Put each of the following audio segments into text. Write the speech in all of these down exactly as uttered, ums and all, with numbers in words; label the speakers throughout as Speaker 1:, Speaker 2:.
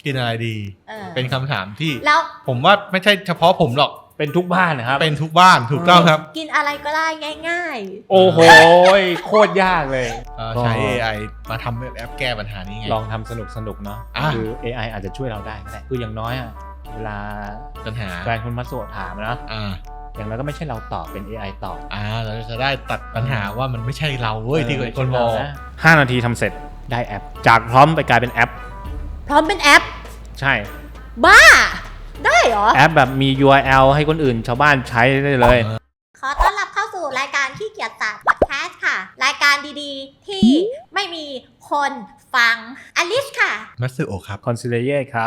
Speaker 1: กินอะไรดีเป็นคำถามที่แล้วผมว่าไม่ใช่เฉพาะผมหรอก
Speaker 2: เป็นทุกบ้านนะครับ
Speaker 1: เป็นทุกบ้านถูกต้องครับ
Speaker 3: กินอะไรก็ได้ง่าย
Speaker 2: ๆโอ้โหโคตรยากเลย
Speaker 1: ใช้ เอ ไอ มาทำแอปแก้ปัญหานี้ไง
Speaker 2: ลองทำสนุกสนุกเนาะคือ เอ ไอ อาจจะช่วยเราได้ก็ได้คืออย่างน้อยอะเวลา
Speaker 1: ปัญหา
Speaker 2: แฟนคุณมาโสดถามนะอย่างนั้นก็ไม่ใช่เราตอบเป็น เอ ไอ ตอบ
Speaker 1: อ่าเราจะได้ตัดปัญหาว่ามันไม่ใช่เราเว้ยที่คนมอง
Speaker 2: ห้านาทีทำเสร็จได้แอปจากพร้อมไปกลายเป็นแอป
Speaker 3: พร้อมเป็นแอป
Speaker 2: ใช่
Speaker 3: บ้าได้เหรอ
Speaker 2: แอปแบบมี ยู อาร์ แอล ให้คนอื่นชาวบ้านใช้ได้เลย
Speaker 3: ขอต้อนรับเข้าสู่รายการขี้เกียจศาสตร์พอดแคสต์ค่ะรายการดีๆที่ไม่มีคนฟังอลิสค่ะ
Speaker 1: มัตสึโอะครับ
Speaker 2: คอนซิเลเย่ครับ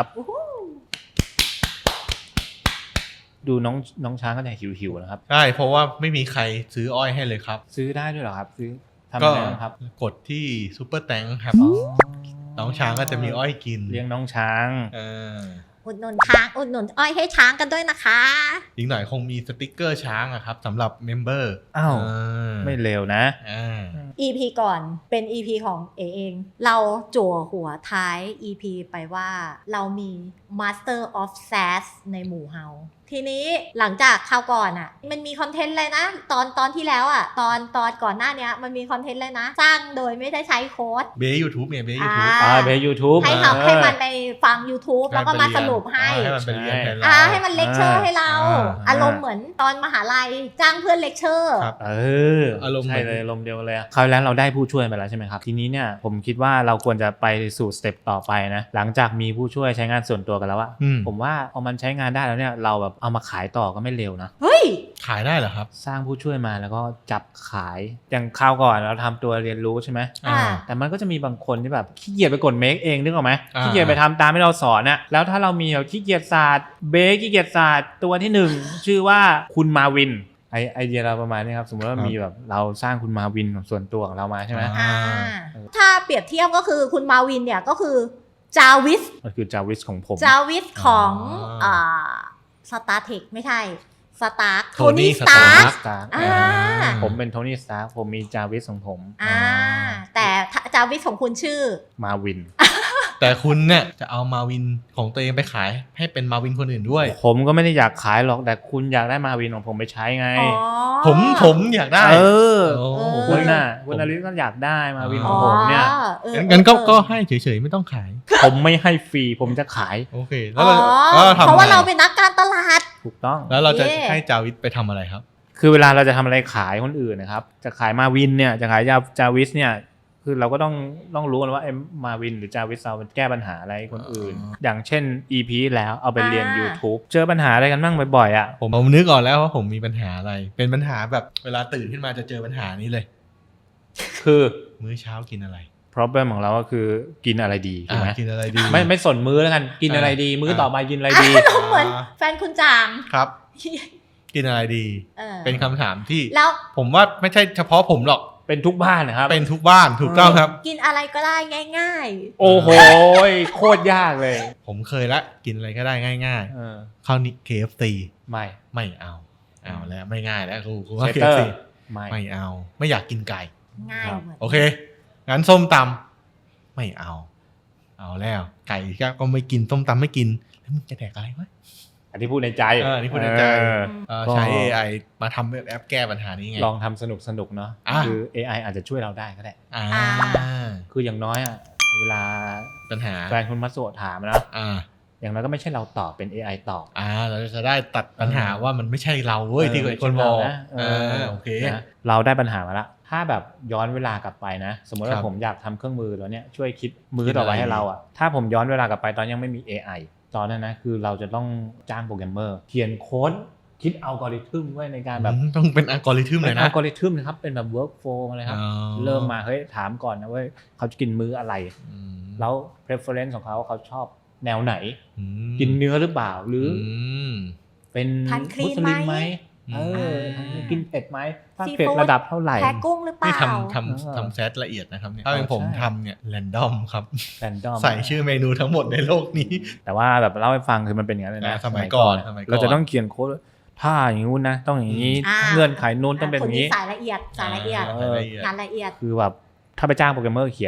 Speaker 2: ดูน้องน้องช้างก็จะหิวๆนะครับ
Speaker 1: ใช่เพราะว่าไม่มีใครซื้ออ้อยให้เลยครับ
Speaker 2: ซื้อได้ด้วยเหรอครับซื้อทำยังไงครับ
Speaker 1: กดที่ซูเปอร์แตงครับน้องช้างก็จะมีอ้อยกิน
Speaker 2: เลี้ยงน้องช้าง
Speaker 1: เออ
Speaker 3: อุดหนุนช้างอุดหนุนอ้อยให้ช้างกันด้วยนะคะ
Speaker 1: อีกหน่อยคงมีสติ๊กเกอร์ช้างอะครับสำหรับเมมเบอร์
Speaker 2: อ้าวไม่เร็วนะ
Speaker 3: อี พี ก่อนเป็น อี พี ของเอเองเราจั่วหัวท้าย อี พี ไปว่าเรามี Master of Sass ในหมู่เฮาทีนี้หลังจากคราวก่อนอ่ะมันมีคอนเทนต์เลยนะตอนตอนที่แล้วอ่ะตอนตอนก่อนหน้านี้มันมีคอนเทนต์เลยนะสร้างโดยไม่ได้ใช้โค้ด
Speaker 1: เบย์ยูทูบเนี่ยเบย์ยูทูบ
Speaker 2: อ่าเบย์ยูทูบ
Speaker 3: ให้ทำให้มันไปฟัง YouTube แล้วก็มาสรุปให้
Speaker 1: ให้มันเป็นเรียนแทนเรา
Speaker 3: อ่าให้มันเลคเชอร์ให้เราอารมณ์เหมือนตอนมหาลัยจ้างเพื่อนเลคเชอร์
Speaker 2: เอออารมณ์ใช่เลยอารมณ์เดียวเลยคราวแล้วเราได้ผู้ช่วยไปแล้วใช่ไหมครับทีนี้เนี่ยผมคิดว่าเราควรจะไปสู่สเต็ปต่อไปนะหลังจากมีผู้ช่วยใช้งานส่วนตัวกันแล้วอะผมว่าเอามันใช้งานได้แล้วเนี่ยเราแบบเอามาขายต่อก็ไม่เร็วนะ
Speaker 3: เฮ้ย
Speaker 1: ขายได้เหรอครับ
Speaker 2: สร้างผู้ช่วยมาแล้วก็จับขายอย่างคราวก่อนเราทำตัวเรียนรู้ใช่ไหมแต่มันก็จะมีบางคนที่แบบขี้เกียจไปกดเมคเองนึกออกไหมขี้เกียจไปทำตามที่เราสอนน่ะแล้วถ้าเรามีแบบขี้เกียจศาสตร์เบขี้เกียจศาสตร์ตัวที่หนึ่งชื่อว่าคุณมาวินไอไอเดียเราประมาณนี้ครับสมมติว่ามีแบบเราสร้างคุณมาวินส่วนตัวของเรามาใช่ไหม
Speaker 3: ถ้าเปรียบเทียบก็คือคุณมาวินเนี่ยก็คือจาวิส
Speaker 2: ก็คือจาวิสของผม
Speaker 3: จาวิสของอ่าสตาร์เทคไม่ใช่สตาร์คโทนี่สตาร์ค
Speaker 2: ผมเป็นโทนี่สตาร์คผมมีจาวิสของผม
Speaker 3: อ่าแต่จาวิสของคุณชื่อ
Speaker 2: มาวิน
Speaker 1: แต่คุณเนี่ยจะเอามาวินของตัวเองไปขายให้เป็นมาวินคนอื่นด้วย
Speaker 2: ผมก็ไม่ได้อยากขายหรอกแต่คุณอยากได้มาวินของผมไปใช้ไง
Speaker 1: ผมผมอยากได้
Speaker 2: เออคุณน่ะคุณอลิสก็อยากได้มาวินของผมเนี่ย
Speaker 1: งั้นก็ก็ให้เฉยๆไม่ต้องขาย
Speaker 2: ผมไม่ให้ฟรีผมจะขาย
Speaker 1: โอเคแล้วเรา
Speaker 3: เพราะว่าเราเป็นนักการตลาด
Speaker 2: ถูกต้อง
Speaker 1: แล้วเราจะให้จาวิสไปทำอะไรครับ
Speaker 2: คือเวลาเราจะทำอะไรขายคนอื่นนะครับจะขายมาวินเนี่ยจะขายจาวิสเนี่ยคือเราก็ต้องต้องรู้กันว่าไอ้มาวินหรือจาวิสเรามันแก้ปัญหาอะไรคนอื่นอย่างเช่น อี พี แล้วเอาไปเรียน YouTube เจอปัญหาอะไรกันบ้างบ่อยๆอ่ะ
Speaker 1: ผมผมนึกออกแล้วว่าผมมีปัญหาอะไรเป็นปัญหาแบบเวลาตื่นขึ้นมาจะเจอปัญหานี้เลย
Speaker 2: คือ
Speaker 1: มื้อเช้ากินอะไร
Speaker 2: problem ของเราก็คือกินอะไรดีใช่ไหม
Speaker 1: กินอะไรดี
Speaker 2: ไม่ไม่สนมื้อแล้วกันกินอะไรดีมื้อต่อมากินอะไรดี
Speaker 3: เหมือนแฟนคุณจาง
Speaker 1: ครับกินอะไรดีเป็นคำถามที่แล้วผมว่าไม่ใช่เฉพาะผมหรอก
Speaker 2: เป็นทุกบ้านนะครับ
Speaker 1: เป็นทุกบ้านถูกต้องครับ
Speaker 3: กินอะไรก็ได้ง่าย
Speaker 2: ๆโอ้โหโคตรยากเลย
Speaker 1: ผมเคยละกินอะไรก็ได้ง่ายๆข้าวนิ เค เอฟ ซี
Speaker 2: ไม่
Speaker 1: ไม่เอาเอาแล้วไม่ง่ายแล้วครูครูว่า เค เอฟ ซี ไม่ไม่เอาไม่อยากกินไก่
Speaker 3: ง่าย
Speaker 1: โอเคงั้นส้มตำไม่เอาเอาแล้วไก่ก็ไม่กินส้มตำไม่กินแล้วมึงจะแดกอะไรวะ
Speaker 2: อันที่พูดในใจ
Speaker 1: เออที่พูดในใจใช้ เอ ไอ มาทำแอปแก้ปัญหานี้ไง
Speaker 2: ลองทำสนุกสนุกเนาะคือ เอ ไอ อาจจะช่วยเราได้ก็ได้คืออย่างน้อยอ่ะเวลา
Speaker 1: ปัญหา
Speaker 2: แฟนคุณมาโสดถามนะอย่างน้อยก็ไม่ใช่เราตอบเป็น เอ ไอ ตอบ
Speaker 1: อ่าเราจะได้ตัดปัญหาว่ามันไม่ใช่เราเว้ยที่คนมองเออโอเค
Speaker 2: เราได้ปัญหามาละถ้าแบบย้อนเวลากลับไปนะสมมติว่าผมอยากทำเครื่องมือแล้วเนี่ยช่วยคิดมือต่อไปให้เราอ่ะถ้าผมย้อนเวลากลับไปตอนยังไม่มี เอ ไอตอนนั้นนะคือเราจะต้องจ้างโปรแกรมเมอร์เขียนโค้ดคิดอัลกอริทึมไว้ในการแบบ
Speaker 1: ต้องเป็นอัลกอริทึมเลยนะ
Speaker 2: อัลกอริทึมนะครับเป็นแบบเวิร์กโฟล์อะไรครับเริ่มมาเฮ้ยถามก่อนนะว่าเขาจะกินมื้ออะไรแล้ว preference ของเขาเขาชอบแนวไหนกินเนื้อหรือเปล่าหรือเป็นมุสลิมไหมเออกินเผ็ดไหมถ้าเผ็ดระดับเท่าไหร่
Speaker 3: แพ้กุ้งหรือเปล่า
Speaker 1: นี่ทำทำทำแซดละเอียดนะครับเนี่ยถ้าเป็นผมทำเนี่ยแรนดอมครับ
Speaker 2: แรนดอม
Speaker 1: ใส่ชื่อเมนูทั้งหมดในโลกนี้
Speaker 2: แต่ว่าแบบเล่าให้ฟังคือมันเป็นอย่างนั้นเลยนะ
Speaker 1: สมัยก่อน
Speaker 2: เราจะต้องเขียนโค้ดถ้าอย่างนู้นนะต้องอย่างนี้เงื่อนไขนู้นต้องเป็นอย่างนี้
Speaker 3: สายละเอียดสายละเอียดงานละเอียด
Speaker 2: คือแบบถ้าไปจ้างโปรแกรมเมอร์เขียนนะ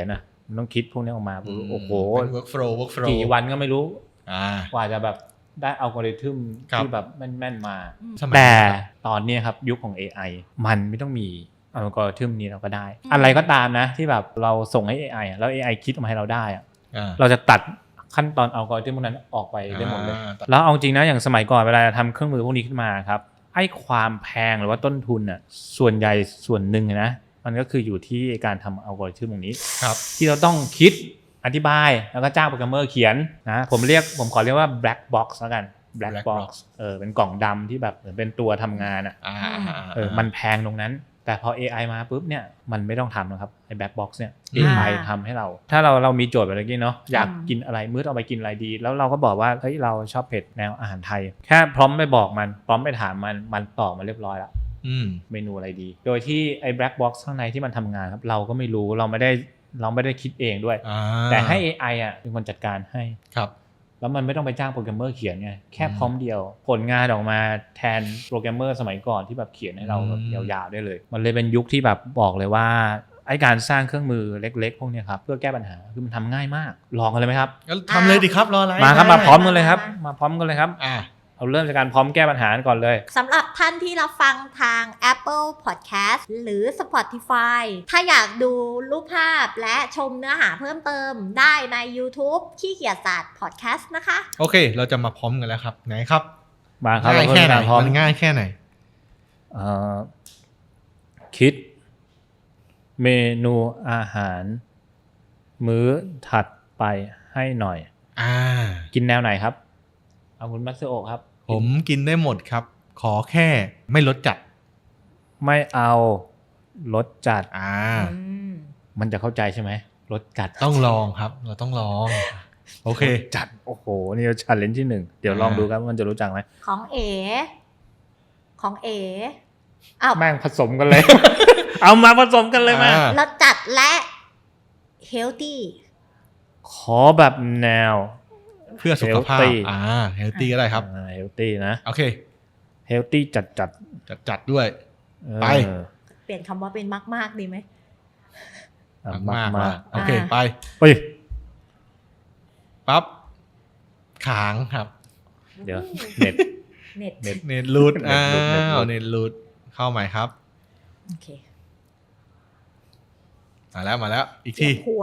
Speaker 2: มันต้องคิดพวกนี้ออกมาโอ้โห
Speaker 1: เป็น workflow workflow
Speaker 2: กี่วันก็ไม่รู้
Speaker 1: อ่าก
Speaker 2: ว่าจะแบบได้อัลกอริทึม
Speaker 1: ครับ
Speaker 2: ที่แบบแม่นๆมา
Speaker 1: สมัย
Speaker 2: แต่
Speaker 1: นั้น
Speaker 2: ตอนนี้ครับยุคของ เอ ไอ มันไม่ต้องมีอัลกอริทึมนี้เราก็ได้ อะไรก็ตามนะที่แบบเราส่งให้ เอ ไอ อะแล้ว เอ ไอ คิดออกมาให้เราได้อะ
Speaker 1: อ่า
Speaker 2: เราจะตัดขั้นตอนอัลกอริทึมพวกนั้นออกไปได้หมดเลย
Speaker 1: อ่า
Speaker 2: แล้วเอาจริงนะอย่างสมัยก่อนเวลาทำเครื่องมือพวกนี้ขึ้นมาครับไอ้ความแพงหรือว่าต้นทุนน่ะส่วนใหญ่ส่วนหนึ่งนะมันก็คืออยู่ที่การทำอัลกอริทึมตรงนี้
Speaker 1: ครับ
Speaker 2: ที่เราต้องคิดอธิบายแล้วก็จ้างโปรแกรมเมอร์เขียนนะผมเรียกผมขอเรียกว่า black box แล้วกัน black
Speaker 1: black
Speaker 2: box
Speaker 1: box
Speaker 2: เออเป็นกล่องดำที่แบบเหมือนเป็นตัวทำงานอ่ะ
Speaker 1: อ่า
Speaker 2: เออมันแพงตรงนั้นแต่พอ เอ ไอ มาปุ๊บเนี่ยมันไม่ต้องทำนะครับไอ้ black box เนี่ย
Speaker 1: อื
Speaker 2: เอ
Speaker 1: ม
Speaker 2: ไอ ทำให้เรา ถ้าเราเรามีโจทย์แบบเมื่อกี้เนาะอยากกินอะไรมื้อเอาไปกินอะไรดี แล้วเราก็บอกว่าเฮ้ยเราชอบเผ็ดแนวอาหารไทย แค่พร้อมไปบอกมันพร้อมไปถามมันมันตอบมาเรียบร้อยแล้ว
Speaker 1: อืม
Speaker 2: เมนูอะไรดี โดยที่ไอ้ black box ข้างในที่มันทำงานครับเราก็ไม่รู้เราไม่ได้เราไม่ได้คิดเองด้วย
Speaker 1: อ่า
Speaker 2: แต่ให้ เอ ไอ อ่ะเป็นคนจัดการให้
Speaker 1: ครับ
Speaker 2: แล้วมันไม่ต้องไปจ้างโปรแกรมเมอร์เขียนไงแค่
Speaker 1: อืม
Speaker 2: พร้อมเดียวผลงานออกมาแทนโปรแกรมเมอร์สมัยก่อนที่แบบเขียนให้เราแบบ
Speaker 1: อืม
Speaker 2: ยาวๆได้เลย มันเลยเป็นยุคที่แบบบอกเลยว่าไอ้การสร้างเครื่องมือเล็กๆพวกเนี้ยครับเพื่อแก้ปัญหาคือมันทำง่ายมากลองกันเลยไหมครับ
Speaker 1: งั้นทำเลยดิครับรออะไร
Speaker 2: มาครับมาพร้อมกันเลยครับมาพร้อมกันเลยครับ
Speaker 1: อ่า
Speaker 2: เอาเริ่มจากการพร้อมแก้ปัญหาก่อนเลย
Speaker 3: สำหรับท่านที่รับฟังทาง Apple Podcast หรือ Spotify ถ้าอยากดูรูปภาพและชมเนื้อหาเพิ่มเติมได้ใน YouTube ขี้เกียจศาสตร์ Podcast นะคะ
Speaker 1: โอเค เราจะมาพร้อมกันแล้วครับไหนครับ
Speaker 2: มาครับ
Speaker 1: ง่ายแค่ไหน
Speaker 2: เราเริ่มจากพร้อม
Speaker 1: มันง่ายแค่ไหน
Speaker 2: เอ่อคิดเมนูอาหาร มื้อถัดไปให้หน่อย
Speaker 1: อ่า
Speaker 2: กินแนวไหนครับเอาคุณมัตสึโอะครับ
Speaker 1: ผมกินได้หมดครับ ขอแค่ไม่ลดจัด
Speaker 2: ไม่เอารสจัด
Speaker 1: อ่า
Speaker 3: อืม
Speaker 2: มันจะเข้าใจใช่ไหมรสจัด
Speaker 1: ต้องลองครับ เราต้องลอง โอเค
Speaker 2: จัดโอ้โหนี่ชันเลนที่หนึ่งเดี๋ยวลองดูครับว่ามันจะรู้จักไหม
Speaker 3: ของเอ ของเออ้าว
Speaker 2: แม่งผสมกันเลย เอามาผสมกันเลยมา
Speaker 1: อ่า
Speaker 3: รสจัดและ healthy
Speaker 2: ขอแบบแนว
Speaker 1: เพื่อสุขภาพ
Speaker 2: Healthy
Speaker 1: อ่า เฮลตี้ก็ได้ครับ
Speaker 2: เฮลตี้นะ
Speaker 1: โอเค
Speaker 2: เฮลตี้จัดจัด
Speaker 1: จัดจัดด้วย
Speaker 2: ๆ
Speaker 1: ไป
Speaker 2: เออ
Speaker 3: เปลี่ยนคำว่าเป็นมาก ๆ ดีไหม
Speaker 2: อ่ะ
Speaker 1: มาก
Speaker 2: มาม
Speaker 1: าก กโอเค
Speaker 3: อ่า
Speaker 1: ไป
Speaker 2: เฮ้ย
Speaker 1: ปั๊บขางครับ
Speaker 2: เดี๋ยวเน็ต
Speaker 3: เน็ต
Speaker 2: เน็ต
Speaker 1: เน็ตรูด
Speaker 2: เน็
Speaker 1: อ้า
Speaker 2: ตรูดเน็ตรู
Speaker 1: ว
Speaker 2: ด
Speaker 1: เน็ตรูดเข้าใหม่ครับ
Speaker 3: โอเค
Speaker 1: มาแล้วมาแล้ว อีก
Speaker 3: เจ็
Speaker 1: ที
Speaker 3: บหัว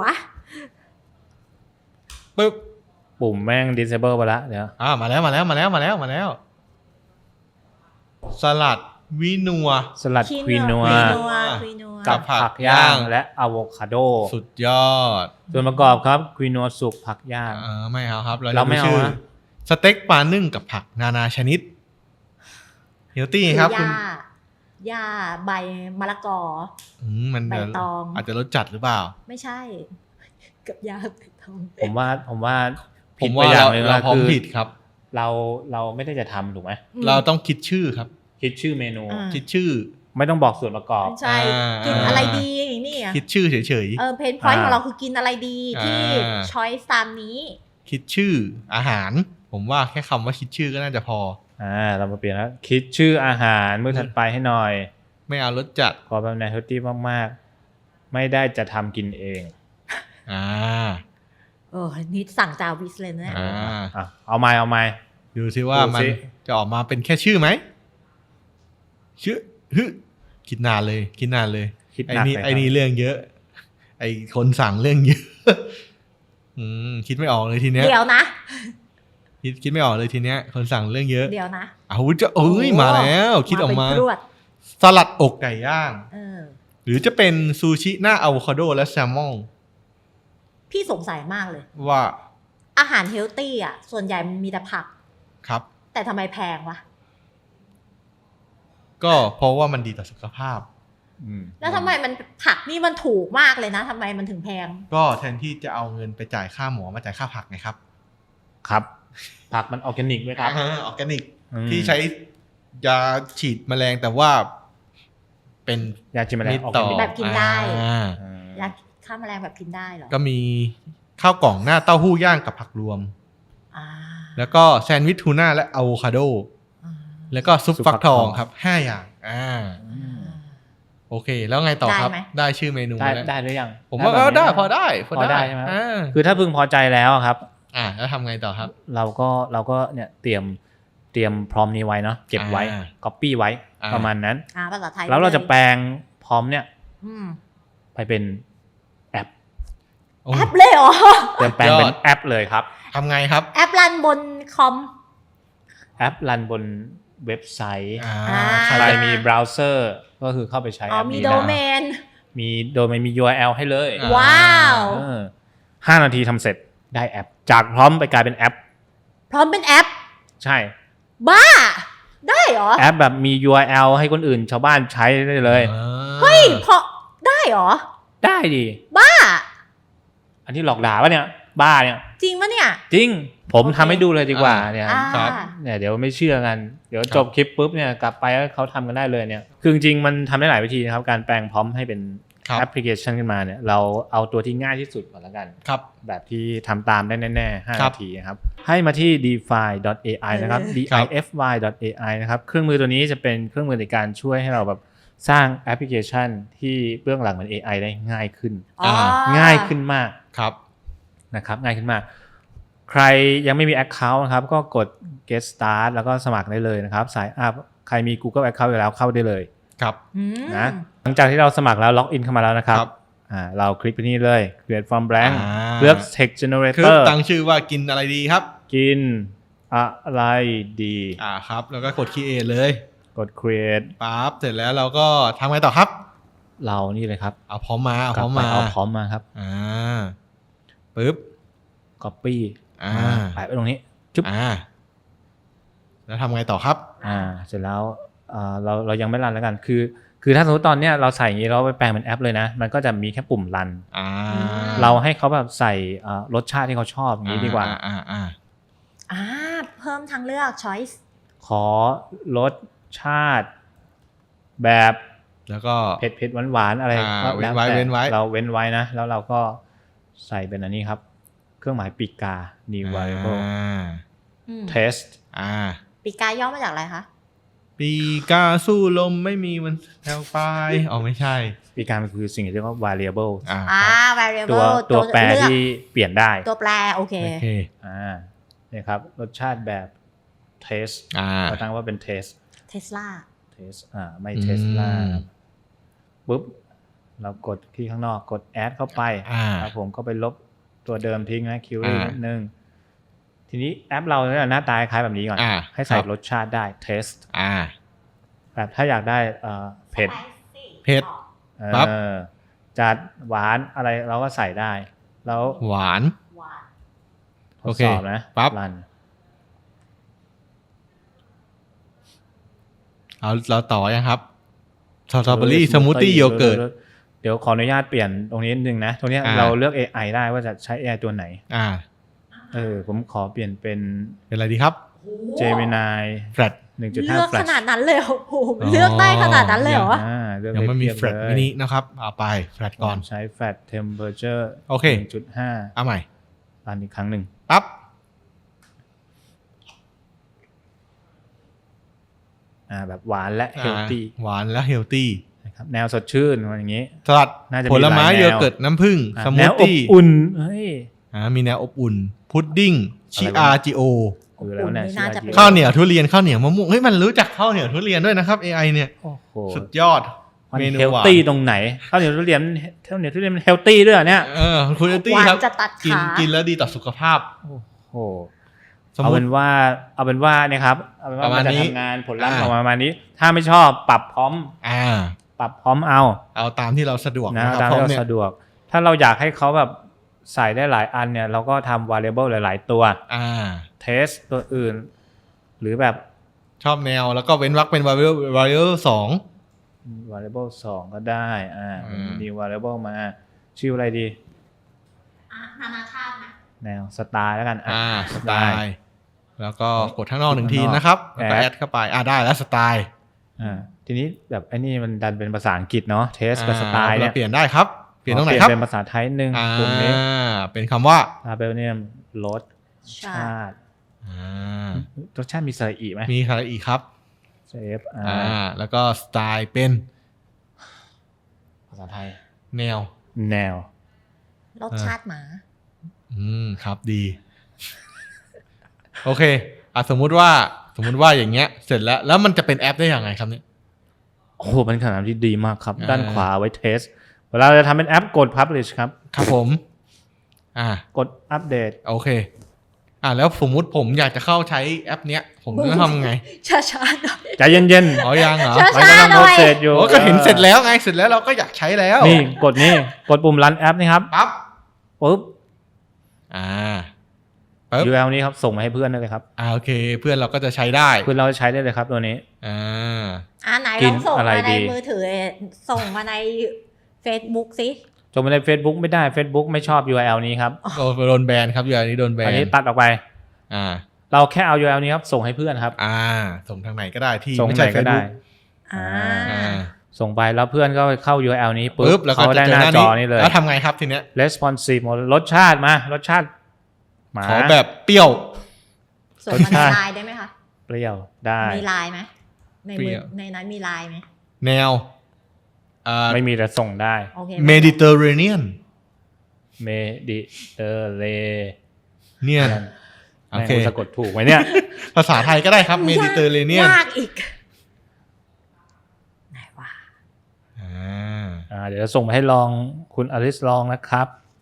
Speaker 1: ปึ๊บ
Speaker 2: ปุ่มแม่ง disable ไปละเดี๋ยว
Speaker 1: อ่ามาแล้วมาแล้วมาแล้วมาแล้วมาแล้ว สลัดวินัว
Speaker 2: สลัดควีนัว
Speaker 3: ควีนัวควีนัว
Speaker 1: กั
Speaker 2: กับ บผักย่างและอะโวคาโด
Speaker 1: สุดยอด
Speaker 2: ส่วนประกอบครับควีนัวสุกผักย่าง
Speaker 1: เออไม่เอาครับ เรา
Speaker 2: เราไม่
Speaker 1: จะ
Speaker 2: เอา
Speaker 1: ชื่อ
Speaker 2: นะ
Speaker 1: สเต็กปลานึ่งกับผักนานาชนิดเฮลตี้
Speaker 3: คือ
Speaker 1: ครับ
Speaker 3: ห
Speaker 1: คุณ
Speaker 3: ญ้าหญ้าใบมะละกอ
Speaker 1: อืมมัน
Speaker 3: ใบตอง
Speaker 1: อาจจะรสจัดหรือเปล่า
Speaker 3: ไม่ใช่ กับหญ้าใบตอง
Speaker 2: ผมว่าผมว่า
Speaker 1: ผ
Speaker 2: ผิ
Speaker 1: ม
Speaker 2: ดไป
Speaker 1: ว่า
Speaker 2: อย่า
Speaker 1: เรา
Speaker 2: งหนึง
Speaker 1: เรา
Speaker 2: นะ
Speaker 1: พร้อม
Speaker 2: คือ
Speaker 1: ผิดครับ
Speaker 2: เราเราไม่ได้จะทำถูกไหม
Speaker 3: อืม
Speaker 1: เราต้องคิดชื่อครับ
Speaker 2: คิดชื่อเมนู
Speaker 3: อ่า
Speaker 1: คิดชื่อ
Speaker 2: ไม่ต้องบอกส่วนประกอบ
Speaker 3: ไม่ใช่
Speaker 1: อ่ากิ
Speaker 3: กินอะไรดีนี่อ่ะ
Speaker 1: คิดชื่อเฉย
Speaker 3: เออเพนพอยต์
Speaker 2: อ่า
Speaker 3: ของเราคือกินอะไรดีที่
Speaker 1: อ่า
Speaker 3: ช้อยส์ตามนี้
Speaker 1: ๆ คิดชื่ออาหาร ผมว่าแค่คำว่าคิดชื่อก็น่าจะพอ
Speaker 2: อ่าเรามาเปลี่ยนแล้วคิดชื่ออาหารมื้อถัดไปให้หน่อย
Speaker 1: ไม่เอารสจัด
Speaker 2: ขอแบบแนวเฮลตี้มากๆ ไม่ได้จะทำกินเอง
Speaker 1: อ่า
Speaker 3: เออนี่สั่งจาวิสเลยนะ
Speaker 1: อ่า
Speaker 2: อ่ะเอาไม้เอาไม้
Speaker 1: ดูซิว่า
Speaker 2: ดู
Speaker 1: มัน
Speaker 2: สิ
Speaker 1: จะออกมาเป็นแค่ชื่อไหมชื่อฮึคิดนานเลย คิดนานเลย
Speaker 2: คิด
Speaker 1: ไอ้
Speaker 2: หนัก
Speaker 1: นี่
Speaker 2: เลย
Speaker 1: ไอ้นี่เรื่องเยอะ ไอ้คนสั่งเรื่องเยอะ อืมคิดไม่ออกเลยทีเนี้ย
Speaker 3: เดี๋ยวนะ
Speaker 1: คิดคิดไม่ออกเลยทีเนี้ย คนสั่งเรื่องเยอะ
Speaker 3: เดี๋ยวนะ
Speaker 1: อ้าวจะเอ้ยมาแล้ว คิดออกมา
Speaker 3: เป็นรวด
Speaker 1: สลัดอกไก่ย่าง
Speaker 3: เออ
Speaker 1: หรือจะเป็นซูชิหน้าอะโวคาโดและแซลมอน
Speaker 3: พี่สงสัยมากเลย
Speaker 1: ว่า
Speaker 3: อาหารเฮลตี้อ่ะ ส่วนใหญ่มันมีแต่ผัก
Speaker 1: ครับ
Speaker 3: แต่ทำไมแพงวะ
Speaker 1: ก็เพราะว่ามันดีต่อสุขภาพ
Speaker 2: อืม
Speaker 3: แล้วทำไมมันผักนี่มันถูกมากเลยนะทำไมมันถึงแพง
Speaker 1: ก็แทนที่จะเอาเงินไปจ่ายค่าหมอมาจ่ายค่าผักไงครับ
Speaker 2: ครับ ผักมันออร์แกนิกไหมครับ
Speaker 1: ออร์แกนิก
Speaker 2: อืม
Speaker 1: ที่ใช้ยาฉีดแมลงแต่ว่าเป็น
Speaker 2: ยาจิมแมล
Speaker 1: มิ
Speaker 2: ง
Speaker 1: ต
Speaker 2: ออร์
Speaker 1: ต่
Speaker 2: แก
Speaker 1: อ
Speaker 2: นิก
Speaker 3: แบบกินได้
Speaker 1: อ่า
Speaker 2: อืม
Speaker 3: ยาฆ่าแมลงแบบกินได้เหรอ
Speaker 1: ก็มีข้าวกล่องหน้าเต้าหู้ย่างกับผักรวม
Speaker 3: อ่า
Speaker 1: แล้วก็แซนด์วิชทูน่าและอะโวคาโด
Speaker 3: อ่า
Speaker 1: แล้วก็ซุปฟักทองครับห้าอย่างอ่า
Speaker 2: อืม
Speaker 1: โอโอเค แล้วไงต่อครับ
Speaker 3: ได้ไหม
Speaker 1: ได้ชื่อเมนู
Speaker 2: ได้
Speaker 1: แล้ว
Speaker 2: ได้หรือยัง
Speaker 1: ผมว่า
Speaker 2: แบบ
Speaker 1: ก็
Speaker 2: นี้
Speaker 1: ได้พอได้
Speaker 2: พอได้ใช่ไหม
Speaker 1: อ่า
Speaker 2: คือถ้าพึงพอใจแล้วครับ
Speaker 1: อ่าแล้วทำไงต่อครับ
Speaker 2: เราก็เราก็เนี่ยเตรียมเตรียมพร้อมนี้ไว้เนาะเก็บไว้
Speaker 1: อ่า
Speaker 2: copy ไว้
Speaker 1: อ่า
Speaker 2: ประมาณนั้น
Speaker 3: อ่าภาษาไทย
Speaker 2: แล้วเราจะ
Speaker 3: ลย
Speaker 2: แปลงพร้อมเนี่ย
Speaker 3: อืม
Speaker 2: ไปเป็นแอป
Speaker 1: โอ้
Speaker 3: แอปเลยเหรอ
Speaker 2: เตรียมแปลงเป็น
Speaker 1: ยอด
Speaker 2: แอปเลยครับ
Speaker 1: ทำไงครับ
Speaker 3: แอปรันบนคอม
Speaker 2: แอปรันบนเว็บไซต์
Speaker 1: อ่า
Speaker 3: อ่า
Speaker 1: ใคร
Speaker 2: ใคร
Speaker 1: จะ
Speaker 2: มีเบราว์เซอร์ก็คือเข้าไปใช้
Speaker 3: อ๋อ
Speaker 2: แอป
Speaker 3: มี
Speaker 2: นี้
Speaker 3: โด
Speaker 2: ได้
Speaker 3: เมน
Speaker 2: มีโดยไม่มี ยู อาร์ แอล ให้เลย
Speaker 1: อ่า
Speaker 3: ว้าว
Speaker 2: เออห้านาทีทำเสร็จได้แอป จากพร้อมไปกลายเป็นแอป
Speaker 3: พร้อมเป็นแอป
Speaker 2: ใช่
Speaker 3: บ้า ได้เหรอ
Speaker 2: แอปแบบมี ยู อาร์ แอล ให้คนอื่นชาวบ้านใช้ได้เลย
Speaker 1: อ่า
Speaker 3: เฮ้ยพอได้เหรอ
Speaker 2: ได้ดิ
Speaker 3: บ้า
Speaker 2: อันที่หลอกด่าปะเนี่ย บ้าเนี่ย
Speaker 3: จริงปะเนี่ย
Speaker 2: จริง ผม
Speaker 3: โอเค
Speaker 2: ทำให้ดูเลยดีกว่าเนี่ย
Speaker 3: อ่า
Speaker 1: ครับ
Speaker 2: เนี่ยเดี๋ยวไม่เชื่อกัน เดี๋ยวจบคลิปปุ๊บเนี่ยกลับไปแล้วเขาทำกันได้เลยเนี่ย คือจริงๆมันทำได้หลายวิธีนะครับ การแปลงพร้อมให้เป็น
Speaker 1: ครับ
Speaker 2: แอปพลิเคชันขึ้นมาเนี่ย เราเอาตัวที่ง่ายที่สุดก่อนละกัน
Speaker 1: ครับ
Speaker 2: แบบที่ทำตามได้แน่ๆห้า
Speaker 1: ครับ
Speaker 2: นาทีนะครับ ให้มาที่ defy ดอท เอ ไอ นะครับ
Speaker 1: ครับ
Speaker 2: defy ดอท เอ ไอ นะครับ เครื่องมือตัวนี้จะเป็นเครื่องมือในการช่วยให้เราแบบสร้างแอปพลิเคชันที่เบื้องหลังเหมือน เอ ไอ ได้ง่ายขึ้น
Speaker 3: อ๋อ
Speaker 2: ง่ายขึ้นมาก
Speaker 1: ครับ
Speaker 2: นะครับง่ายขึ้นมาก ใครยังไม่มี Account นะครับก็กด get start แล้วก็สมัครได้เลยนะครับสายอัพใครมี Google Account อยู่แล้วเข้าได้เลย
Speaker 1: ครับ
Speaker 3: อืม
Speaker 2: นะหลังจากที่เราสมัครแล้วล็อกอินเข้ามาแล้วนะครับ
Speaker 1: ครับ
Speaker 2: อ่าเราคลิกไปนี่เลย create from blank
Speaker 1: อ่า
Speaker 2: เลือก text
Speaker 1: คือ
Speaker 2: generator
Speaker 1: ตั้งชื่อว่ากินอะไรดีครับ
Speaker 2: กินอะไรดี
Speaker 1: อ่าครับ แล้วก็กด create เลย
Speaker 2: กด create
Speaker 1: ปั๊บเสร็จแล้วเราก็ทำไงต่อครับ
Speaker 2: เรานี่เลยครับ
Speaker 1: เอาพร้อมมาเอา
Speaker 2: ก
Speaker 1: พ
Speaker 2: ลั
Speaker 1: ร้อม
Speaker 2: ไป
Speaker 1: มา
Speaker 2: เอาพร้อมมาครับ
Speaker 1: อ่าปึ๊บ
Speaker 2: copy
Speaker 1: อ่า
Speaker 2: แปะไว้ตรงนี้จุ๊บ
Speaker 1: อ่า แล้วทำไงต่อครับ
Speaker 2: อ่าเสร็จแล้วอ่าเราเรายังไม่รันแล้วกันคือ คือถ้าสมมติตอนเนี้ยเราใส่อย่างนี้เราไปแปลงเป็นแอปเลยนะ มันก็จะมีแค่ปุ่มรัน
Speaker 1: อ่า
Speaker 2: เราให้เขาแบบใส่อ่ารสชาติที่เขาชอบอย่างนี้ดีกว่า
Speaker 1: อ่าอ่าอ่า
Speaker 3: อ่าเพิ่มทางเลือก choice
Speaker 2: ขอรสชาติ แบบ
Speaker 1: แล้วก็
Speaker 2: เผ็ดเผ็ดหวานหวานๆอะไร
Speaker 1: อ่า
Speaker 2: ก็
Speaker 1: เว้
Speaker 2: แล้ว
Speaker 1: นไว้
Speaker 2: แต่
Speaker 1: เว้นไว้
Speaker 2: เราเว้นไว้นะ แล้วเราก็ใส่เป็นอันนี้ครับ เครื่องหมายปีกกา new variable
Speaker 1: อ่า
Speaker 3: อืม
Speaker 2: test
Speaker 1: อ่า
Speaker 3: ปีกาย่อมาจากอะไรคะ
Speaker 1: ปีกาสู้ลมไม่มีวันแถวปลายอ๋อไม่ใช่
Speaker 2: ปีกามันคือสิ่งที่เรียกว่า variable
Speaker 1: อ่า
Speaker 3: อ่า
Speaker 2: ตัว
Speaker 3: variable
Speaker 2: ตัวแปร
Speaker 3: เลือก
Speaker 2: ที่เปลี่ยนได้
Speaker 3: ตัวแปรโอเค
Speaker 1: โอเค
Speaker 2: อ่าเนี่ยครับรสชาติแบบ taste
Speaker 1: อ่า
Speaker 2: เราตั้งว่าเป็น taste
Speaker 3: Tesla
Speaker 2: taste อ่าไม่
Speaker 1: อืม
Speaker 2: Tesla ปุ๊บเรากดที่ข้างนอกกด add เข้าไป
Speaker 1: อ่า
Speaker 2: ครับผมก็ไปลบตัวเดิมทิ้งนะ query
Speaker 1: อ่านิ
Speaker 2: นิดนึง ทีนี้แอปเราเนี่ยหน้าตาคล้ายแบบนี้ก่อน
Speaker 1: อ่า
Speaker 2: ให้ใส่
Speaker 1: ครับ
Speaker 2: รสชาติได้ taste
Speaker 1: อ่า
Speaker 2: แบบถ้าอยากได้เอ่อเผ็ด
Speaker 1: เผ็ด
Speaker 2: เอ
Speaker 1: ปั๊บ
Speaker 2: อจัดหวานอะไรเราก็ใส่ได้ แล้ว
Speaker 1: หวาน
Speaker 3: หวาน
Speaker 2: ท
Speaker 1: โอ
Speaker 2: ด
Speaker 1: เค
Speaker 2: สอบนะ
Speaker 1: ปั๊บ
Speaker 2: รัน
Speaker 1: เอาเราต่อยังครับสตรอเบอรี่สมูทตี้โยเกิร์ต
Speaker 2: เดี๋ยวขออนุญาตเปลี่ยนตรงนี้นิดนึงนะ ตรงเนี้ย
Speaker 1: อ่า
Speaker 2: เราเลือก เอ ไอ ได้ว่าจะใช้ เอ ไอ ตัวไหน
Speaker 1: อ่า
Speaker 2: เออผมขอเปลี่ยนเป็น
Speaker 1: เป็นอะไรดีครับ
Speaker 2: Gemini
Speaker 1: แฟลต
Speaker 2: หนึ่งจุดห้า
Speaker 3: เลือกข
Speaker 2: Flash
Speaker 3: นาดนั้นเลยเหรอโอ้โห
Speaker 1: อ๋อ
Speaker 3: เลือกได้ขนาดนั้นเลยเหรอ
Speaker 2: อ่าเลือก
Speaker 1: ยังไม่มี
Speaker 2: เทียบ
Speaker 1: แฟลต
Speaker 2: เลย
Speaker 1: มินินะครับ เอาไปแฟลตก่อน
Speaker 2: ใช้ Flash Temperature
Speaker 1: โอเค
Speaker 2: หนึ่งจุดห้า
Speaker 1: เอาใหม่
Speaker 2: รันอีกครั้งหนึ่ง
Speaker 1: ปั๊บ
Speaker 2: อ่าแบบหวานและ
Speaker 1: อ่า
Speaker 2: healthy
Speaker 1: หวานและเฮลตี้
Speaker 2: นะครับแนวสดชื่นมันอย่างนี้
Speaker 1: สลัด
Speaker 2: น่าจะมี
Speaker 1: ผลไม้
Speaker 2: หลายแนว
Speaker 1: โยเกิร์ตน้ำผึ้ง
Speaker 2: อ่ะ
Speaker 1: ส
Speaker 2: แน
Speaker 1: มูท
Speaker 2: วอบ
Speaker 1: ตี้
Speaker 2: อุ่นเฮ้ย
Speaker 1: อ่ามีแนวอบอุ่น พุดดิ้ง ชิ
Speaker 2: อะไรวะ
Speaker 1: อาจิโอ
Speaker 2: คือแล้วเนี่ย
Speaker 3: อบอุ่นนี่น่าจะเป็น
Speaker 1: ข้าวเหนียวทุเรียนข้าวเหนียวมะม่วงเฮ้ยมันรู้จักข้าวเหนียวทุเรียนด้วยนะครับ เอ ไอ เนี่ย
Speaker 2: โอ้โห
Speaker 1: สุดยอด
Speaker 2: มัน
Speaker 1: เมนู
Speaker 2: เฮล
Speaker 1: หวาน
Speaker 2: ตี้ตรงไหนข้าวเหนียวทุเรียนข้าวเหนียวทุเรียนมันเฮลตี้ด้วยเหรอเนี่ย
Speaker 1: เออคุณตี้
Speaker 3: หวาน
Speaker 1: ครับ
Speaker 3: จะตัด
Speaker 1: กิน
Speaker 3: ขา
Speaker 1: กินแล้วดีต่อสุขภาพ
Speaker 2: โอ้โห
Speaker 1: สม
Speaker 2: เอา
Speaker 1: ม
Speaker 2: เป็
Speaker 1: ติ
Speaker 2: นว่าเอาเป็นว่าเนี่ยครับเอาเป็นว่า
Speaker 1: ประมา
Speaker 2: มั
Speaker 1: ณ
Speaker 2: นจะ
Speaker 1: นี้
Speaker 2: ทำงานผลลัพธ์
Speaker 1: อ่า
Speaker 2: ออกมาประมาณนี้ ถ้าไม่ชอบปรับพร้อม
Speaker 1: อ่า
Speaker 2: ปรับพร้อมเอา
Speaker 1: เอาตามที่เราสะดวก
Speaker 2: นะ
Speaker 1: นะครับ
Speaker 2: ตาม
Speaker 1: เพราะ
Speaker 2: ที่เรา
Speaker 1: เนี่ย
Speaker 2: สะดวก ถ้าเราอยากให้เขาแบบใส่ได้หลายอันเนี่ยเราก็ทำ variable หลาย ๆ ตัว
Speaker 1: อ่า
Speaker 2: test ตัวอื่น หรือแบบ
Speaker 1: ชอบแนวแล้วก็เว้นวรรคเป็น variable variable สอง
Speaker 2: variable สองก็ได้อ่า
Speaker 1: อืม
Speaker 2: มี variable มา ชื่ออะไรดี
Speaker 3: อ่ะนานาชาตินะ
Speaker 2: แนวสไตล์แล้วกันอ่ะ
Speaker 1: อ่าสไต
Speaker 2: ได้
Speaker 1: ล์แล้วก็กดข้างนอกหนึ่ง
Speaker 2: กด
Speaker 1: ที
Speaker 2: ข้างนอก
Speaker 1: นะครับแล้วก็
Speaker 2: แอด
Speaker 1: แอดเข้าไปอ่าได้แล้วสไตล์
Speaker 2: อ่าทีนี้แบบไอ้นี่มันดันเป็นภาษาอังกฤษเนาะ test กับสไตล์เนี่ย
Speaker 1: เปลี่ยนได้ครับ เปลี่ยนตรงไหน
Speaker 2: เปลี่ย
Speaker 1: ครับ
Speaker 2: นเป็นภาษาไทยหนึ่ง
Speaker 1: อ่า
Speaker 2: ตรงนี้
Speaker 1: เป็นคำว่า
Speaker 2: label เนี่ยรส
Speaker 3: ชา
Speaker 2: ชาติ
Speaker 1: อ่าร
Speaker 2: สชาติมีสระอีไหม
Speaker 1: มีอะไรอีกครับ
Speaker 2: เซฟอ่า
Speaker 1: อ่าแล้วก็สไตล์เป็น
Speaker 2: ภาษาไทย
Speaker 1: แนว
Speaker 2: แนว
Speaker 3: รสชาติหมา
Speaker 1: อืมครับดี โอเคอ่ะสมมุติว่าสมมุติว่าอย่างเงี้ยเสร็จแล้วแล้วมันจะเป็นแอปได้ยังไงครับเนี่ย
Speaker 2: โอ้โหเป็นคำถามที่ดีมากครับ
Speaker 1: อ่า
Speaker 2: ด้านขวาไว้เทสเวลาเราจะทำเป็นแอปกด publish ครับ
Speaker 1: ครับผม อ่าก
Speaker 2: ดอัปเดต
Speaker 1: โอเค อ่าแล้วสมมุติผมอยากจะเข้าใช้แอปเนี้ย ผมจะทำไง
Speaker 3: ช้าๆหน่อย
Speaker 2: ใจเย็น
Speaker 1: อ๋อยังเหรอ
Speaker 3: ช้า
Speaker 2: ๆมันกำลังโปรเซสอยู่
Speaker 1: โอ้ก็เห็นเสร็จแล้วไงเสร็จแล้วเราก็อยากใช้แล้ว
Speaker 2: นี่กดนี่กดปุ่ม run แอปนี่ครับ
Speaker 1: ปั๊บ
Speaker 2: ปุ๊บ
Speaker 1: อ่าปึ๊บ
Speaker 2: ยู อาร์ แอล นี้ครับส่งมาให้เพื่อนได้เลยครับ
Speaker 1: อ่าโอเค เพื่อนเราก็จะใช้ได้
Speaker 2: เพื่อนเราใช้ได้เลยครับตัวนี้
Speaker 1: อ่า
Speaker 3: อ่าไหน
Speaker 2: กิ
Speaker 3: ล
Speaker 2: น
Speaker 3: องส่ง
Speaker 2: อะไร
Speaker 3: มาใน
Speaker 2: ดี
Speaker 3: มือถือส่งมาใน Facebook สิ
Speaker 2: ส่งมาใน Facebook ไม่ได้ Facebook ไม่ชอบ ยู อาร์ แอล นี้ครับ
Speaker 1: โดนโดนแบนครับอยู่อันนี้โดนแบ
Speaker 2: อัน
Speaker 1: น
Speaker 2: นี้ตัดออกไป
Speaker 1: อ่า
Speaker 2: เราแค่เอา ยู อาร์ แอล นี้ครับส่งให้เพื่อนครับ
Speaker 1: อ่า ส่งทางไหนก็ได้ที่
Speaker 2: ส่ง
Speaker 1: ไม่
Speaker 2: ไหน
Speaker 1: ใช่
Speaker 2: ก็ได้
Speaker 1: Facebook
Speaker 3: อ่า
Speaker 1: อ่า
Speaker 2: ส่งไปแล้วเพื่อนก็เข้า ยู อาร์ แอล นี้
Speaker 1: ปึ๊
Speaker 2: ปุ๊
Speaker 1: บบ แล้วก็
Speaker 2: เขา
Speaker 1: จะ
Speaker 2: ได้
Speaker 1: เจ
Speaker 2: ห
Speaker 1: อ
Speaker 2: น้า
Speaker 1: หน้า
Speaker 2: จ
Speaker 1: นี้
Speaker 2: อนี้เลย
Speaker 1: แล้วทำไงครับทีเนี้ย
Speaker 2: responsive หมดรสชาติมารสชาติหมา
Speaker 1: ขอแบบเปรี้ยว
Speaker 3: ส่งมาใน
Speaker 2: รสชาติ
Speaker 3: ไลน์ได้ไหมคะ
Speaker 2: เปรี้ยวได้
Speaker 3: มีไลน์ไหมใน
Speaker 1: เปรี้
Speaker 3: มือ
Speaker 1: ยว
Speaker 3: ในนั้นมีไลน์ไหม
Speaker 1: แนวอ่า
Speaker 2: ไม่มีแต่ส่งได้
Speaker 3: โอเค
Speaker 1: เมดิเตอร์เรเนียน
Speaker 2: เมดิเตอร์เร
Speaker 1: เนียน โอ
Speaker 2: แม่ง
Speaker 1: เค
Speaker 2: กูสะกดถูกไหมเนี่ย
Speaker 1: ภาษาไทยก็ได้ครับเมดิเตอร์เรเนียน
Speaker 3: ยากอีกไหนวะ
Speaker 1: อ่า
Speaker 2: อ่าเดี๋ยวจะส่งไปให้ลองคุณอลิสลองนะครับ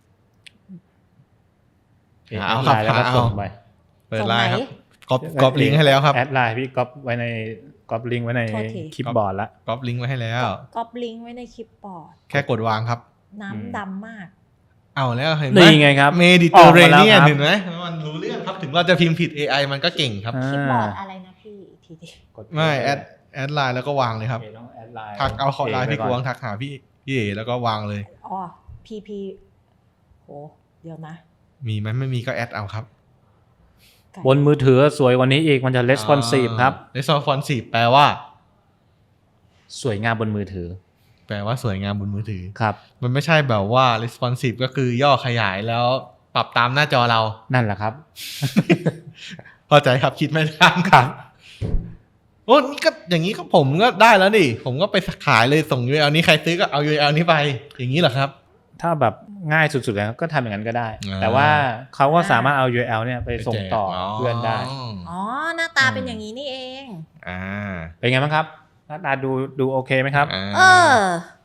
Speaker 1: เอาครับ
Speaker 2: แดไลน์แล้วก็
Speaker 1: เอา
Speaker 2: ส่งไป
Speaker 1: เปิดไลน์ครับก๊อปก๊อปลิงก์ให้แล้วครับ
Speaker 2: แอดไลน์พี่ก๊อปไว้ในก๊อปลิงก์ไว้ในคลิปบอร์ดละ
Speaker 1: ก๊อปลิงก์ไว้ให้แล้ว
Speaker 3: ก๊อปลิงก์ไว้ในคลิปบอร์ด
Speaker 1: แค่กดวางครับ
Speaker 3: น้ำดำมาก
Speaker 1: เอาแล้วเห็นไหม
Speaker 2: นี่ไงครับ
Speaker 1: เมดิเตอร์เรเนียน
Speaker 2: ออกมาแล้วครับ
Speaker 1: เห็นไหมมันรู้เรื่องครับถึงเราจะพิมพ์ผิด เอ ไอ มันก็เก่งครับ
Speaker 3: คลิปบอร์ดอะไรนะพี่อีกทีดิ
Speaker 2: กด
Speaker 1: ไม่แอดแอดไลน์แล้วก็วางเลยครับ
Speaker 2: โอเคต้องแอดไลน์
Speaker 1: ทักเอาขอไลน์พี่กวาง
Speaker 2: ทัก
Speaker 1: ทักหาพี่พี่เอแล้วก็วางเลย
Speaker 3: อ๋อพีพีโหเดี๋ยวนะ
Speaker 1: มีไหมไม่มีก็แอดเอาครับ
Speaker 3: ไก่
Speaker 2: บนมือถือสวยกว่านี้อีกมันจะ responsive ครับ
Speaker 1: เรสปอนซีฟแปลว่า
Speaker 2: สวยงามบนมือถือ
Speaker 1: แปลว่าสวยงามบนมือถือ
Speaker 2: ครับ
Speaker 1: มันไม่ใช่แบบว่า responsive ก็คือย่อขยายแล้วปรับตามหน้าจอเรา
Speaker 2: นั่นแหละครับ
Speaker 1: เข้าใจครับคิดไม่ทันครับโอ้นี่ก็อย่างนี้ก็ผมก็ได้แล้วดิผมก็ไปขายเลยส่ง ยู อาร์ แอล นี้ใครซื้อก็เอา ยู อาร์ แอล นี้ไปอย่างนี้เหรอครับ
Speaker 2: ถ้าแบบง่ายสุดๆเลยก็ทำอย่างนั้นก็ได้
Speaker 1: อ่า
Speaker 2: แต่ว่าเขาก็สามารถเอา ยู อาร์ แอล เนี่ยไปส่งต่อ
Speaker 1: ไปแจก
Speaker 2: เพื่อนได้
Speaker 3: อ๋อหน้าตาเป็นอย่างนี้นี่เอง
Speaker 1: อ่า
Speaker 2: เป็นไงบ้างครับหน้าตาดูดูโอเคไหมครับ
Speaker 1: อ่า
Speaker 3: เออ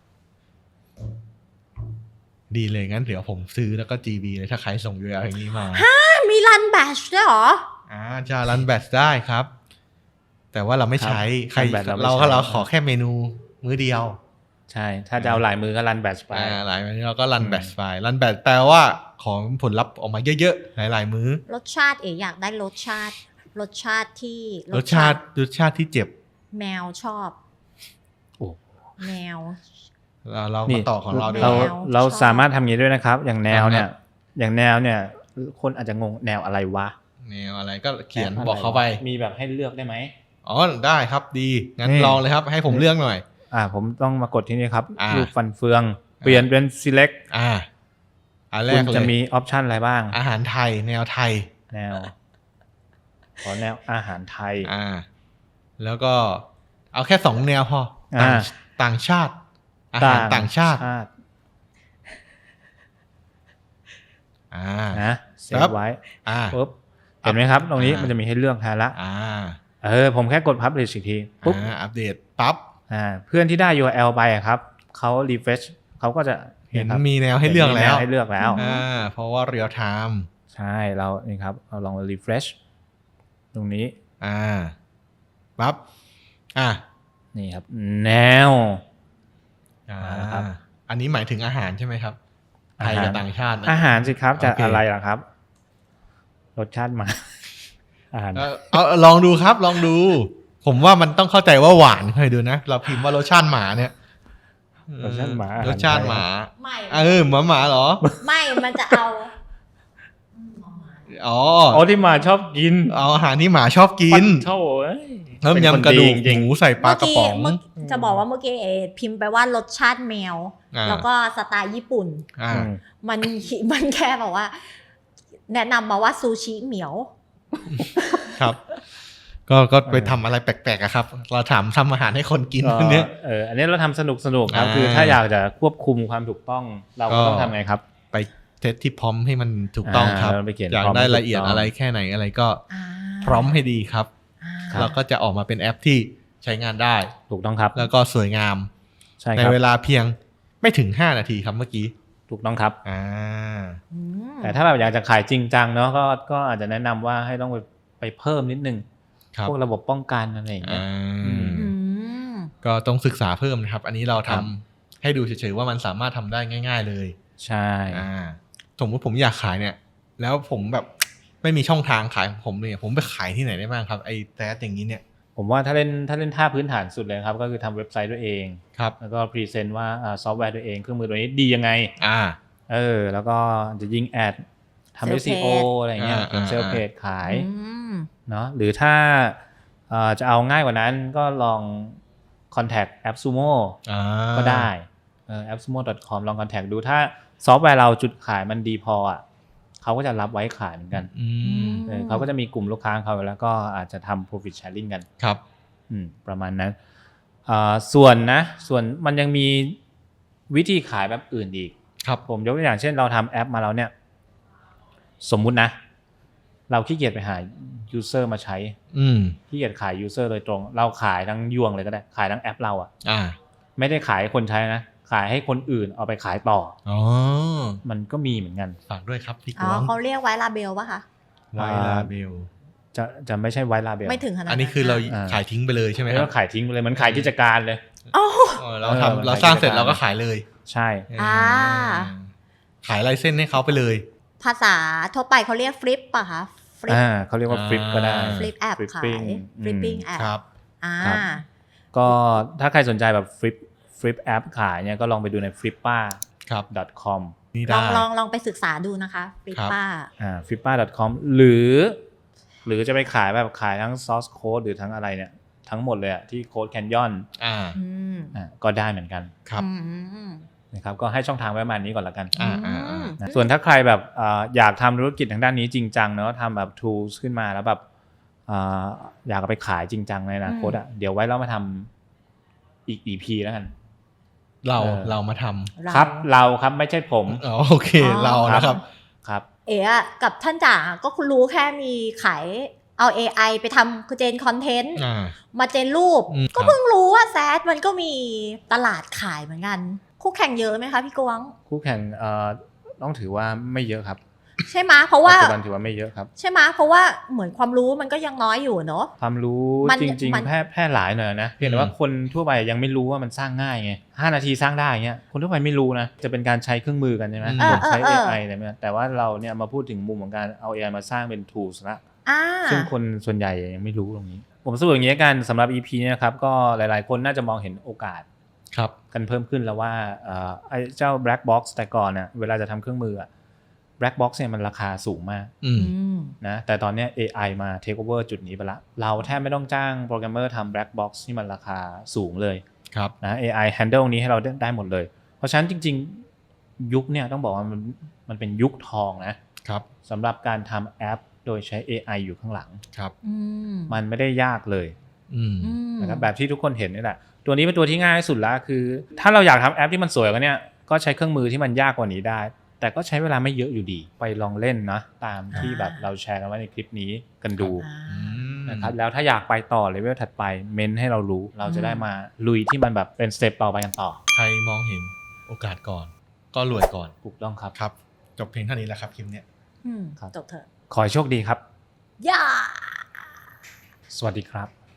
Speaker 1: ดีเลยงั้นเดี๋ยวผมซื้อแล้วก็ จี บี เลยถ้าใครส่ง ยู อาร์ แอล อย่างนี้มา
Speaker 3: มีรันแบชด้วยเหรอ
Speaker 1: อ่าจะรันแบตได้ครับ แต่ว่าเราไม่ใช้
Speaker 2: ครับ
Speaker 1: ใคร
Speaker 2: run batch เราไม่
Speaker 1: เรา
Speaker 2: ใช้
Speaker 1: ก็เราขอแค่เมนูมื้อเดียว
Speaker 2: ใช่ ถ้าจะเอาหลายมือก็รันแบตไป
Speaker 1: อ่าหลายมื้อเราก็รัน
Speaker 2: อืม
Speaker 1: แบตไปรันแบตแปลว่าของผลลัพธ์ออกมาเยอะๆหลายๆมื้อ
Speaker 3: รสชาติเอ๋อยากได้รสชาติ รสชาติที่
Speaker 1: รสชาติรสชาติที่เจ็บ
Speaker 3: แมวชอบ
Speaker 2: โอ้
Speaker 3: แมว
Speaker 1: เราเรา
Speaker 2: นี่
Speaker 1: มาต่อของเราดีก
Speaker 2: เรา
Speaker 1: ว่า
Speaker 3: แนว
Speaker 2: เรา
Speaker 3: ชอบ
Speaker 2: สามารถทำอย่างนี้ด้วยนะครับ อย่างแนวเนี่ย
Speaker 1: อ่าฮะ
Speaker 2: อย่างแนวเนี่ย คนอาจจะงงแนวอะไรวะ
Speaker 1: แนวอะไรก็เขียน
Speaker 2: แนวะร
Speaker 1: บอกเขาไป
Speaker 2: มีแบบให้เลือกได้ไหม
Speaker 1: อ๋อได้ครับดีงั้น
Speaker 2: นี่
Speaker 1: ลองเลยครับ ให้ผมเลือกหน่อย
Speaker 2: อ่า ผมต้องมากดที่นี่ครับ
Speaker 1: อ่า
Speaker 2: รูปฟันเฟือง เปลี่ยนเป็น select
Speaker 1: อ่าอันแร
Speaker 2: คุ
Speaker 1: ก
Speaker 2: ณ
Speaker 1: เลย
Speaker 2: จะมีออปชันอะไรบ้าง
Speaker 1: อาหารไทย แนวไทย
Speaker 2: แนว ขอแนวอาหารไทย
Speaker 1: อ่า แล้วก็เอาแค่สองแนวพอต่าง
Speaker 2: อ่า
Speaker 1: ต่างชาติ อาหารต่างชาติ อ่า
Speaker 2: นะเซ
Speaker 1: ครั
Speaker 2: ฟ
Speaker 1: บ
Speaker 2: ไว้
Speaker 1: อ่า
Speaker 2: ปุ๊บเห็นไหมครับ ตรงนี้
Speaker 1: อ่ามั
Speaker 2: มันจะมีให้เลือกแทนละ
Speaker 1: อ่า
Speaker 2: เออผมแค่กด publish อีกทีปุ๊บ
Speaker 1: อ่าอัปเดตปั๊บ
Speaker 2: อ่าเพื่อนที่ได้ ยู อาร์ แอล ไปอะครับเขา refresh เขาก็จะ
Speaker 1: เห็น
Speaker 2: ครับ
Speaker 1: มีแนวให้เลือกแล้ว
Speaker 2: ห็นมีนให้เลือกแล้ว
Speaker 1: อ่าเพราะว่าเรียลไทม์
Speaker 2: ใช่เรานี่ครับเราลอง refresh ตรงนี้
Speaker 1: อ่าปั๊บอ่า
Speaker 2: นี่ครับ แนว
Speaker 1: อ่า
Speaker 2: มาแล้วครับ
Speaker 1: อันนี้หมายถึงอาหารใช่ไหมครับ ไทยกับต่างชาตินะ
Speaker 2: อาหารสิครับจะ
Speaker 1: โอเค
Speaker 2: อะไรล่ะครับ รสชาติหมา อาหาร
Speaker 1: เอาเอาเอาลองดูครับ ลองดู ผมว่ามันต้องเข้าใจว่าหวานเคยดูนะ เราพิมพ์ว่ารสชาติหมาเนี่ย
Speaker 2: รสชาติหมาอาหาร
Speaker 1: รสชาติหมา
Speaker 3: ไม่
Speaker 1: เออหมาหมาเหรอ
Speaker 3: ไม่ มันจะเอา
Speaker 1: อ๋อ
Speaker 2: อ๋อที่หมาชอบกิน
Speaker 1: เอาอาหารที่หมาชอบกิน
Speaker 2: ปัดโถ่เอ้ย
Speaker 1: เพิ่ม
Speaker 2: เป็นคน
Speaker 1: ยำกระดูก
Speaker 2: ดีจริง
Speaker 1: หมูใส่ปลากระป๋อง
Speaker 3: เมื่อกี้จะบอกว่าเมื่อกี้เอพิมพ์ไปว่ารสชาติแมว
Speaker 1: อ่า
Speaker 3: แล้วก็สไตล์ญี่ปุ่น
Speaker 1: อ่า
Speaker 2: อืม
Speaker 3: มัน มันแค่บอกว่า แนะนำมาว่าซูชิเหมียว
Speaker 1: ครับก็ก็ไปทำอะไรแปลกๆอะครับเราถามทำอาหารให้คนกินอันเนี้ย
Speaker 2: เอออันนี้เราทำสนุกสนุกครับ
Speaker 1: อ่า
Speaker 2: คือถ้าอยากจะควบคุมความถูกต้องเราก็ต้องทำไงครับ
Speaker 1: ไปเทสที่พร้อมให้มันถูกต้องครับ
Speaker 2: าไปเขียน
Speaker 1: อยาก
Speaker 2: พร้ม
Speaker 1: ได้
Speaker 2: ให้ถู
Speaker 1: ละเอียด
Speaker 2: ต้ง
Speaker 1: อะไรแค่ไหนอะไรก็
Speaker 3: อ่า
Speaker 1: พร้อมให้ดีครับ
Speaker 3: อ่า
Speaker 2: ครับ
Speaker 1: เราก็จะออกมาเป็นแอปที่ใช้งานได้
Speaker 2: ถูกต้องครับ
Speaker 1: แล้วก็สวยงาม
Speaker 2: ใช่
Speaker 1: ใน
Speaker 2: ครับ
Speaker 1: เวลาเพียงไม่ถึงห้านาทีครับเมื่อกี้
Speaker 2: ถูกต้องครับ
Speaker 1: อ่า
Speaker 3: อืม
Speaker 2: แต่ถ้าแบบอยากจะขายจริงจังเนาะก็ก็อาจจะแนะนำว่าให้ต้องไปไปเพิ่มนิดนึง
Speaker 1: ครับ
Speaker 2: พวกระบบป้องกันอะไรอย่างเงี้ย
Speaker 1: อ่า
Speaker 2: อืม
Speaker 3: อืม
Speaker 1: ก็ต้องศึกษาเพิ่มนะครับ อันนี้เรา
Speaker 2: ครั
Speaker 1: ทำ
Speaker 2: บ
Speaker 1: ให้ดูเฉยๆว่ามันสามารถทำได้ง่าย ๆเลย
Speaker 2: ใช่
Speaker 1: อ่าสมมติผมอยากขายเนี่ย แล้วผมแบบไม่มีช่องทางขายของผมเนี่ยผมไปขายที่ไหนได้บ้างครับไอ้แทสอย่างนี้เนี่ย
Speaker 2: ผมว่าถ้าเล่นถ้าเล่นท่าพื้นฐานสุดเลยครับก็คือทำเว็บไซต์ด้วยเอง
Speaker 1: ครับ
Speaker 2: แล้วก็พรีเซนต์ว่าอ่าซอฟต์แวร์ตัวเองเครื่องมือตัวนี้ดียังไง
Speaker 1: อ่า
Speaker 2: เออแล้วก็จะยิงแอดทำ
Speaker 3: Sales
Speaker 2: เอส อี โอ อะไรเงี้ย
Speaker 1: อ่า
Speaker 2: เป็นเซล
Speaker 1: อ่า
Speaker 2: เพจขาย
Speaker 3: อืม
Speaker 2: เนาะหรือถ้าเอ่อจะเอาง่ายกว่านั้นก็ลอง contact AppSumo
Speaker 1: อ่า
Speaker 2: ก็ได้เออ แอปซูโม่ ดอท คอม ลอง contact ดูถ้าซอฟต์แวร์เราจุดขายมันดีพออ่ะเขาก็จะรับไว้ขายเหมือนกัน
Speaker 1: อืม
Speaker 2: เออเขาก็จะมีกลุ่มลูกค้าของเขาแล้วก็อาจจะทำ profit sharing กัน
Speaker 1: ครับ
Speaker 2: อืมประมาณนั้นอ่าส่วนนะส่วนมันยังมีวิธีขายแบบอื่นอีก
Speaker 1: ครับ
Speaker 2: ผมยกตัวอย่างเช่นเราทำแอปมาแล้วเนี่ยสมมุตินะ เราขี้เกียจไปหา user มาใช้
Speaker 1: อืม
Speaker 2: ขี้เกียจขาย user โดยตรง เราขายทั้งยวงเลยก็ได้ขายทั้งแอปเราอะ
Speaker 1: อ่า
Speaker 2: ไม่ได้ขายให้คนใช้นะขายให้คนอื่นเอาไปขายต่อ
Speaker 1: อ๋อ
Speaker 2: มันก็มีเหมือนกัน
Speaker 1: ฝากด้วยครับพี่ก
Speaker 3: อ๋อ
Speaker 1: วง
Speaker 3: เขาเรียกไว้ลาเบลป่ะคะ
Speaker 1: ไวลาเบล
Speaker 2: จะจะไม่ใช่ไวลาเบล
Speaker 3: ไม่ถึงขนาด
Speaker 1: อันนี้คือเรา
Speaker 2: อ่า
Speaker 1: ขายทิ้งไปเลยใช่ไหม
Speaker 2: ไม่
Speaker 1: ครั
Speaker 2: ต้
Speaker 1: บ
Speaker 2: องขายทิ้งไปเลยมันขายกิจการเลย
Speaker 3: อ๋อ
Speaker 1: เออเรา
Speaker 2: เออ
Speaker 1: ทำ
Speaker 2: มัน
Speaker 1: เรา
Speaker 2: ขาย
Speaker 1: สร้างเสร็จ
Speaker 2: กิจการ
Speaker 1: เราก็ขายเลย
Speaker 2: ใช่
Speaker 3: อ่า
Speaker 1: ขายลายเส้นให้เขาไปเลย
Speaker 3: ภาษาทั่วไปเขาเรียกฟลิปป่ะคะฟลิป
Speaker 2: อ่าเขาเรียกว่า
Speaker 1: อ่า
Speaker 2: ฟลิปก็ได้
Speaker 3: ฟลิปแอปขาย
Speaker 2: Flipping
Speaker 3: ฟลิปปิ้ง
Speaker 2: อืม
Speaker 3: แอป
Speaker 1: ครับ
Speaker 3: อ่า
Speaker 2: ครับ ก็ถ้าใครสนใจแบบฟลิปฟลิปแอปขายเนี่ยก็ลองไปดูใน flippa
Speaker 1: ครับ
Speaker 2: ดอท คอม
Speaker 1: นี่
Speaker 3: ล
Speaker 1: ได้
Speaker 3: องลองลองไปศึกษาดูนะคะฟลิป
Speaker 1: ครับ
Speaker 3: ป้า
Speaker 2: อ่า flippa ดอท คอม หรือ หรือจะไปขายแบบขายทั้ง source code หรือทั้งอะไรเนี่ยทั้งหมดเลยอะที่ Code Canyon
Speaker 1: อ่า
Speaker 3: อืม
Speaker 2: อ่าก็ได้เหมือนกัน
Speaker 1: ครับ
Speaker 3: อืม
Speaker 2: นะครับก็ให้ช่องทางไว้ประมาณนี้ก่อนละกัน
Speaker 1: อ่าอ่าอ่า
Speaker 2: นะส่วนถ้าใครแบบเอ่ออยากทำธุรกิจทางด้านนี้จริงจังเนาะทำแบบ tools ขึ้นมาแล้วแบบเอ่ออยากเอาไปขายจริงจังในอนาคตอ่ะเดี๋ยวไว้เรามาทำอีก อี พี แล้วกัน
Speaker 1: เรา
Speaker 2: เออ
Speaker 1: เรามาทำ
Speaker 3: เรา
Speaker 2: ครับเราครับไม่ใช่ผม
Speaker 1: อ๋อโอเค
Speaker 3: อ๋อ
Speaker 1: เรานะครับ
Speaker 2: ครับ
Speaker 3: เอ๋อะกับท่านจ่าก็คุณรู้แค่มีขายเอา เอ ไอ ไปทำคือเจนคอนเทนต์
Speaker 1: อ่า
Speaker 3: มาเจนรูป
Speaker 1: อืม
Speaker 3: ก็เพิ่งรู้ว่าแซดมันก็มีตลาดขายเหมือนกัน คู่แข่งเยอะไหมคะพี่กวง
Speaker 2: คู่แข่งเอ่อต้องถือว่าไม่เยอะครับ
Speaker 3: ใช่ไหมะเพราะว่า
Speaker 2: ปัจจุบันถือว่าไม่เยอะครับ
Speaker 3: ใช่ไหมะเพราะว่าเหมือนความรู้มันก็ยังน้อยอยู่เนอะ
Speaker 2: ความรู้
Speaker 3: มัน
Speaker 2: จริง
Speaker 3: มัน
Speaker 2: ๆแพร่แพร่หลายหน่อยนะเพียงแต่ว่าคนทั่วไปยังไม่รู้ว่ามันสร้างง่ายไงห้านาทีสร้างได้เงี้ยคนทั่วไปไม่รู้นะจะเป็นการใช้เครื่องมือกันใช่ไหม
Speaker 1: เออ
Speaker 2: ใช้
Speaker 3: เอ
Speaker 2: เอ
Speaker 3: อเออ
Speaker 2: ไออะไรเนี่ยแต่ว่าเราเนี่ยมาพูดถึงมุมของการเอา เอ ไอ มาสร้างเป็น tools ละ
Speaker 3: อ่า
Speaker 2: ซึ่งคนส่วนใหญ่ยังไม่รู้ตรงนี้ ผมสรุปอย่างนี้กันสำหรับ อี พี เนี่ยนะครับก็หลายๆ คนน่าจะมองเห็นโอกาส
Speaker 1: ครับ
Speaker 2: กันเพิ่มขึ้นแล้วว่าเอ่อไอ้เจ้า black box แต่ก่อนเนี่ยเวลาจะทำเครื่องมืออะ black box เนี่ยมันราคาสูงมาก
Speaker 1: อืม
Speaker 3: อืม
Speaker 2: นะแต่ตอนเนี้ย เอ ไอ มา take over จุดนี้ไปละเราแทบไม่ต้องจ้างโปรแกรมเมอร์ทำ black box ที่มันราคาสูงเลย
Speaker 1: ครับ
Speaker 2: นะ เอ ไอ handle นี้ให้เราได้ได้หมดเลย เพราะฉะนั้นจริงๆ ยุคเนี่ยต้องบอกว่ามันมันเป็นยุคทองนะครับ สำหรับการทำแอปโดยใช้ เอ ไอ อยู่ข้างหลัง
Speaker 1: ครับ
Speaker 3: อืม
Speaker 2: มันไม่ได้ยากเลย
Speaker 1: อืม
Speaker 3: อืม
Speaker 2: นะครับแบบที่ทุกคนเห็นนี่แหละตัวนี้เป็นตัวที่ง่ายที่สุดละคือ ถ้าเราอยากทำแอปที่มันสวยกว่านี้ก็ใช้เครื่องมือที่มันยากกว่านี้ได้ แต่ก็ใช้เวลาไม่เยอะอยู่ดี ไปลองเล่นนะตามที่แบบเราแชร์กันไว้ในคลิปนี้กันดู
Speaker 3: อ่า
Speaker 1: อืม
Speaker 2: นะครับแล้วถ้าอยากไปต่อเลเวลถัดไปเมนให้เรารู้เราจะได้มาลุยที่มันแบบเป็นสเต็ปต่อไปกันต่อ
Speaker 1: ใครมองเห็นโอกาสก่อน ก็รวยก่อน
Speaker 2: ถูกต้องครับ
Speaker 1: ครับ จบเพียงเท่านี้แหละครับคลิปเนี้ย
Speaker 3: อืม
Speaker 2: ครับ
Speaker 3: จบเถอะ
Speaker 2: ขอให้โชคดีครับ
Speaker 3: ย่า
Speaker 2: สวัสดีครับ